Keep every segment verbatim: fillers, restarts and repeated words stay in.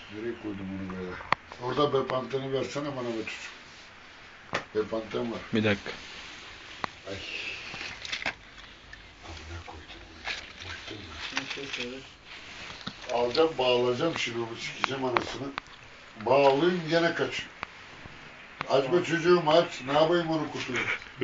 Nereye koydum onu böyle? Orada Bepanthen'i versene bana be çocuk. Bepanthen var. Bir dakika. Ay. Amına koydum onu. Bıktım ben. Alacağım bağlayacağım şimdi onu sikeceğim anasını. Bağlayayım gene kaçıyor. Açma çocuğum aç. Ne yapayım onu kutuyu?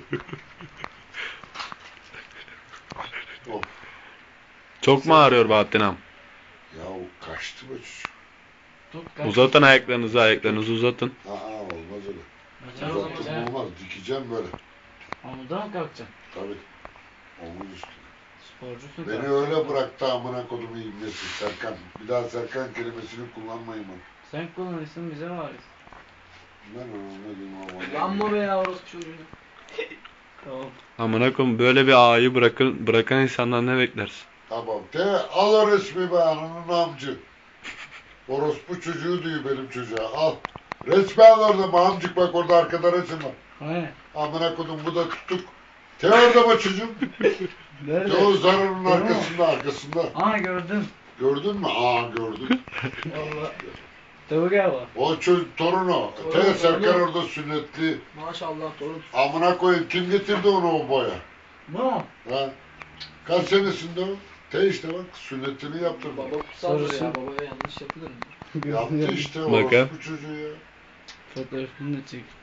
Of. Çok mu ağrıyor Bahattin ağam? Ya o kaçtı be çocuk. Uzatın ayaklarınızı, ayaklarınızı uzatın. Aa olmaz öyle. Açar o zaman Uzattım ya. olmaz. Dikeceğim böyle. Amuda mı kalkacaksın? Tabii. Omuz üstü. Sporcusun. Beni kalkacaksın. öyle bıraktı amına kodumu ibnesi Serkan. Bir daha Serkan kelimesini kullanmayın bana. Sen kullanırsın bize var. Ben ona diyeyim ama. Yanma be ya orospu çocuğu. Tamam. Amına koyayım, böyle bir ağayı bırakın, bırakan insanlar ne beklersin? Tamam. Te al o resmi be ananın amcı. Orospu çocuğu diyor benim çocuğa. Al. Resmi al orada amcık bak orada arkada resim var. Hani? Amına kodum bu da tuttuk. Te orada mı çocuğum? Nerede? Te o zararın Tamam. arkasında arkasında. Aa gördüm. Gördün mü? Aa gördüm. Valla. Tabii gel bak. O çocuk torunu. Te Torunu, Serkan torunu. orada sünnetli. Maşallah torun. Amına koyayım kim getirdi onu o boya? No. Ha? Kaç senesinde o? Te işte bak sünnetini yaptırdı. Baba kutsaldır Sarısı. ya. Babaya yanlış yapılır mı? Yaptı işte Bakın. orospu çocuğu ya. Fotoğrafını da çek.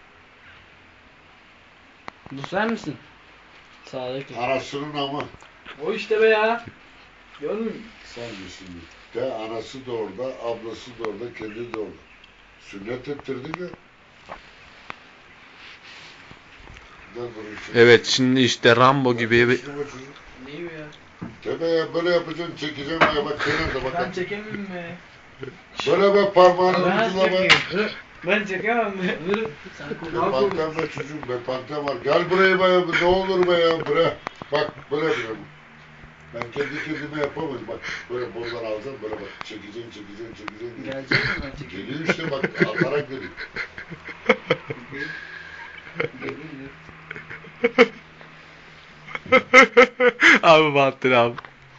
Bu sen misin? Sağdaki. Anasının amı. O işte be ya. Görmüyor musun? Sen misin? De anası da orada, ablası da orada, kendi de orada. Sünnet ettirdik ya. Evet, şimdi işte Rambo gibi bir... Neyi be ya? Tebe ya böyle yapacaksın, çekeceğim ya bak kenarda Ben bak. çekemiyorum be. Böyle be parmağını Ben ucuna bak. çekeyim. Ben çekemem. Sen Be kulağın panten be çocuğum, be panten var. Gel buraya be, ne olur be ya, bre. Bak böyle yapacağım. Ben kendi kendime yapamadım bak. Böyle boldan alacağım, böyle bak. Çekeceğim, çekeceğim, çekeceğim. Gelecek mi ben çekeyim? Geliyor işte bak, atarak geliyor. Geliyor. Abi Bahattin abi.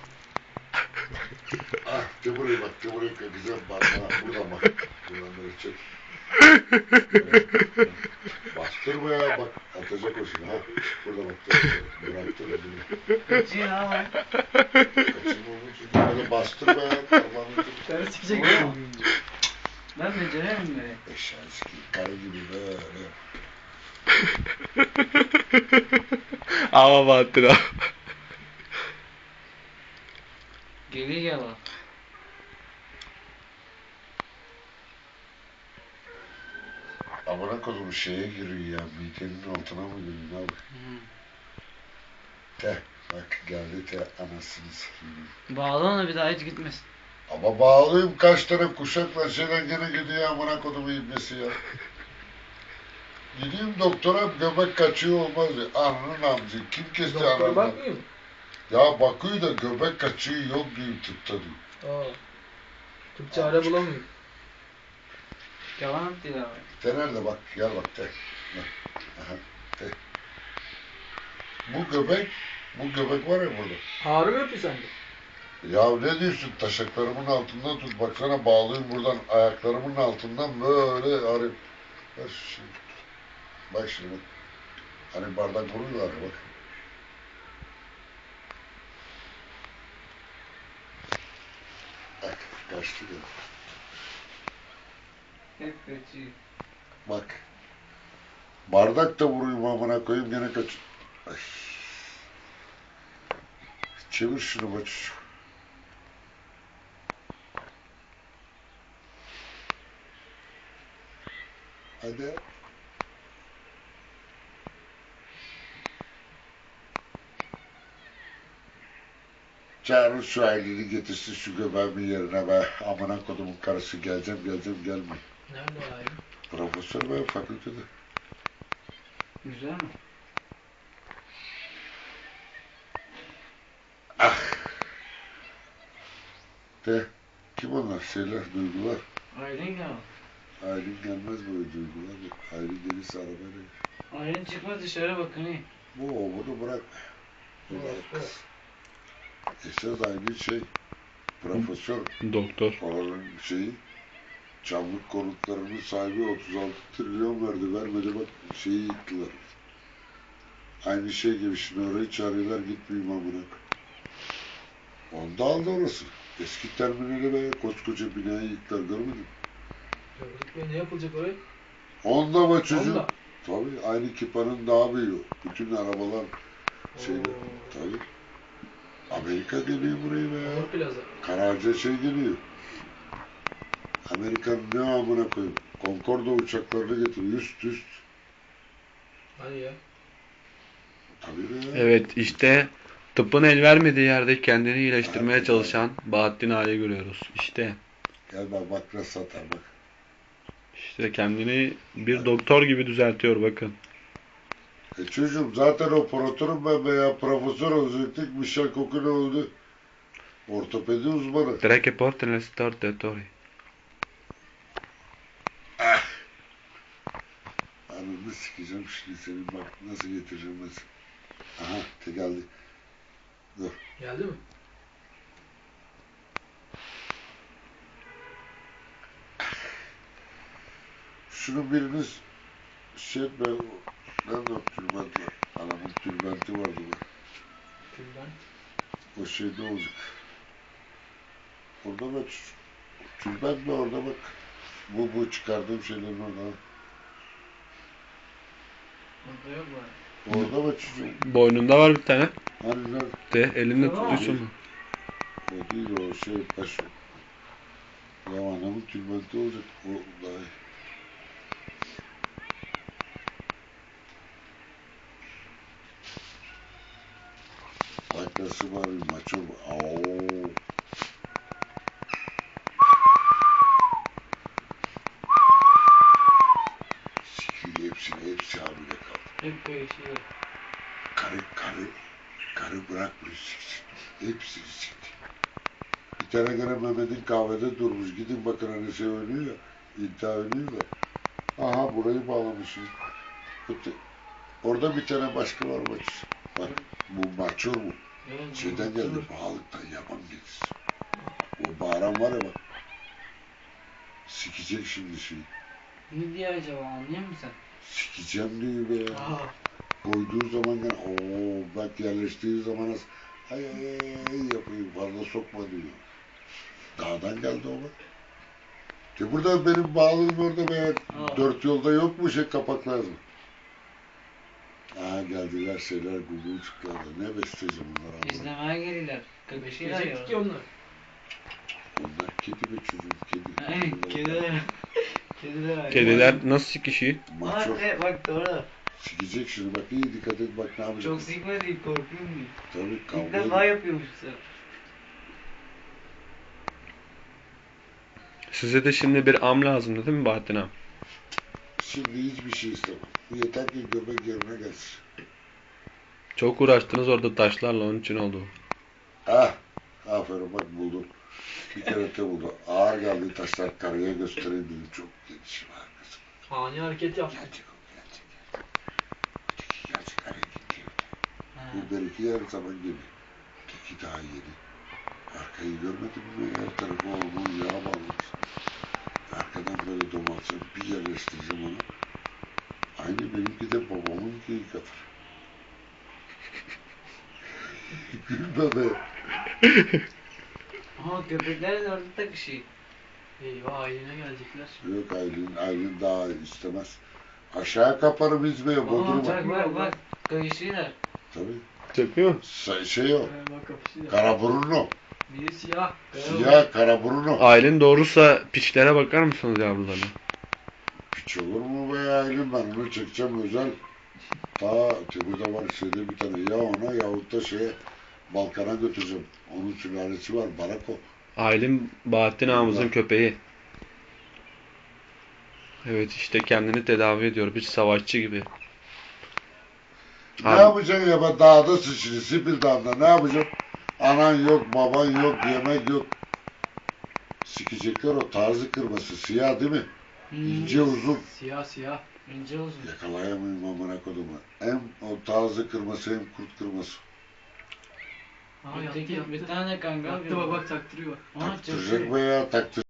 Ah, de buraya bak, de buraya kakacağım. Bak, bana, buradan bak. Buradan böyle çek. Evet. Bastırma ya bak, atacak o şimdi ha. Burada bak, bıraktı ödünü. Kaçıyor ama. Kaçırma onun için. Böyle bastırma ya, parmağını tut. Karı çıkacak Oğlum. ya. Ben beceremem be. Eşeğin sikiyim, karı gibi böyle. Ama Bahattin abi. Geliyor gel bak. Amına kodum şeye giriyor ya, midenin altına mı giriyor, ne yapayım? Te, bak geldi te, anasını sikiyim. Bağla onu bir daha hiç gitmesin. Ama bağlıyım kaç tane kuşakla şeyden gene gidiyor amına kodumu ibnesi ya. Gideyim doktora göbek kaçıyor olmaz diyor. Ananın amcı kim kesti Doktora ananı? bakmıyor mu? Ya bakıyor da göbek kaçıyor yok diyor tıpta diyor. Aa. Tıp çare bulamıyor. Yalan attı ya. Te nerede bak gel bak te. Gel. Aha, te. Bu göbek, bu göbek var ya burada. Ağrı mı yapıyor sende? Ya ne diyorsun taşaklarımın altından tut baksana bağlıyım buradan ayaklarımın altından böyle arayıp. Bak şimdi. Bak şimdi bak. Hani bardak vuruyorlar ya bak. Bak kaçtı ya. Hep kaçıyor. Bak. Bardak da vuruyum amına koyayım gene kaç. Ay. Çevir şunu bak. Hadi. Çağırın şu aileni getirsin şu göbeğimin yerine be. Amına kodumun karısı geleceğim geleceğim gelme. Nerede o ayrı? Profesör be fakültede. Güzel mi? Ah. De. Kim onlar? Şeyler, duygular. Aylin gel bak. Aylin gelmez böyle duygular. Aylin gelirse arabayla. Aylin çıkma dışarı bakın iyi. Bu bunu bırak. Bırak. Esas Aylin şey. Profesör. Doktor. Oranın şeyi. Çamlık konutlarının sahibi otuz altı trilyon verdi. Vermedi bak şeyi yıktılar. Aynı şey gibi şimdi orayı çağırıyorlar gitmeyeyim amına. Onda aldı orası. Eski terminali ve koskoca binayı yıktılar görmedin mi? Gördük be, ne yapılacak oraya? Onda mı çocuğum? Onda. Tabii aynı kipanın daha büyüğü. Bütün arabalar şeyde. Oo. Tabii. Amerika geliyor buraya be. Onur Plaza. Karaca şey geliyor. Amerika'nın ne amına koyayım. Concorde uçaklarını getiriyor. Üst üst. Hadi ya. Tabii be. Evet işte tıbbın el vermediği yerde kendini iyileştirmeye çalışan Bahattin Ağa'yı görüyoruz. İşte Gel bak bak nasıl satar bak. işte kendini bir doktor gibi düzeltiyor bakın. E çocuğum zaten operatörüm ben veya profesör olacaktım. Michel Cocu ne oldu? Ortopedi uzmanı. Tre che porta nel stortatore. Anını sikeceğim şimdi senin bak nasıl getireceğim nasıl. Aha te geldi. Dur. Geldi mi? Şunu biriniz şey etme. Nerede o tülbent var? Anamın tülbenti vardı bak. Tülbent. O şeyde olacak. Orada bak. Tülbent mi orada bak. Bu bu çıkardığım şeylerin orada. Burada yok var. Orada bak çocuğum. Boynunda var bir tane. Hani nerede? De elinde Tamam. tutuyorsun mu? O değil o şey başı. Ya anamın tülbenti olacak. O daha iyi. Arkası var bir maço. Aoo. Sikili hepsini hepsi hamile kaldı. Hep kayışıyor. Karı karı karı bırakmıyor siksin. Hepsini sikti. Bir tane gene Mehmet'in kahvede durmuş. Gidin bakın hani şey oynuyor ya. İddia oynuyor da. Aha burayı bağlamışım. Öte. Orada bir tane başka var maç. Bak bu maçör bu. Evet, Şeyden bu- geldi, pahalıktan yaban deniz. O bağıran var ya bak. Sikecek şimdi şeyi. Ne diyor acaba anlıyor musun sen? Sikeceğim diyor be. Aa. Koyduğu zaman gene ooo bak yerleştiği zaman az ay ay ay ay yapıyor fazla sokma diyor. Dağdan geldi o bak. De burada benim bağlılığım orada be. Aa. Dört yolda yok mu şey kapak lazım. Aa geldiler şeyler Google çıktılar. Ne besleyeceğim bunlar ama. İzlemeye gelirler. Kıkışıyorlar Bekleyecektik ki ya. onlar. Onlar kedi be çocuğum kedi. Aynen kediler. Kediler ayrı. Kediler nasıl sikişiyor? Maço. Bak, e, bak doğru. Sikecek şimdi bak iyi dikkat et bak ne yapacak. Çok sikme değil korkuyorum diyor. Tabii İlk kavga defa ediyor. yapıyormuş sen. Size de şimdi bir am lazımdı değil mi Bahattin Ağam? Şimdi hiçbir şey istemem. Yeter ki göbek yerine gelsin. Çok uğraştınız orada taşlarla onun için oldu. Ah, aferin bak buldum. Bir kere de buldum. Ağır geldi taşlar karıya göstereyim dedim. Çok geniş var kızım. Ani hareket yaptı. Gerçek o gerçek. Öteki gerçek hareket değil. Ha. Bu belki her zaman gibi. Öteki daha yeni. Arkayı görmedin mi? Her tarafı olmuş yağ bağlamış. Arkadan böyle domalsın bir yerleştireceğim onu. Aynı benimki de babamınki kadar. Gülme be. Aha köpekler de orada takışıyor. Eyvah ailene gelecekler. Yok Aylin, Aylin daha istemez. Aşağı kaparım İzmir'e, Aha Bodrum'a. bak bak bak. Kayışıyorlar. Tabii. Çekiyor. Sa- şey o, Ee, bak kapışıyor. Karaburun o. Biri siyah. Siyah Karaburun o. Aylin doğruysa piçlere bakar mısınız yavrularına? Piç olur mu be Aylin, ben onu çekeceğim özel. Ta burada var şeyde bir tane ya ona yahut da şeye Balkan'a götüreceğim. Onun sülalesi var, Barako. Aylin Bahattin Ağamızın Allah. köpeği. Evet işte kendini tedavi ediyor bir savaşçı gibi. Ne Abi- yapacaksın ya ben dağda sıçrı, Sipil Dağı'nda ne yapacaksın? Anan yok, baban yok, yemek yok. Sikecekler o tarzı kırması, siyah değil mi? İnce uzun. Siyah siyah. İnce uzun. Yakalayamıyorum amına kodumu. Hem o tarzı kırması hem kurt kırması. Aa Bir yattı tek- yattı. Bir tane kangal Yattı bak bak taktırıyor. Aha Taktıracak çekiyor. be ya taktır.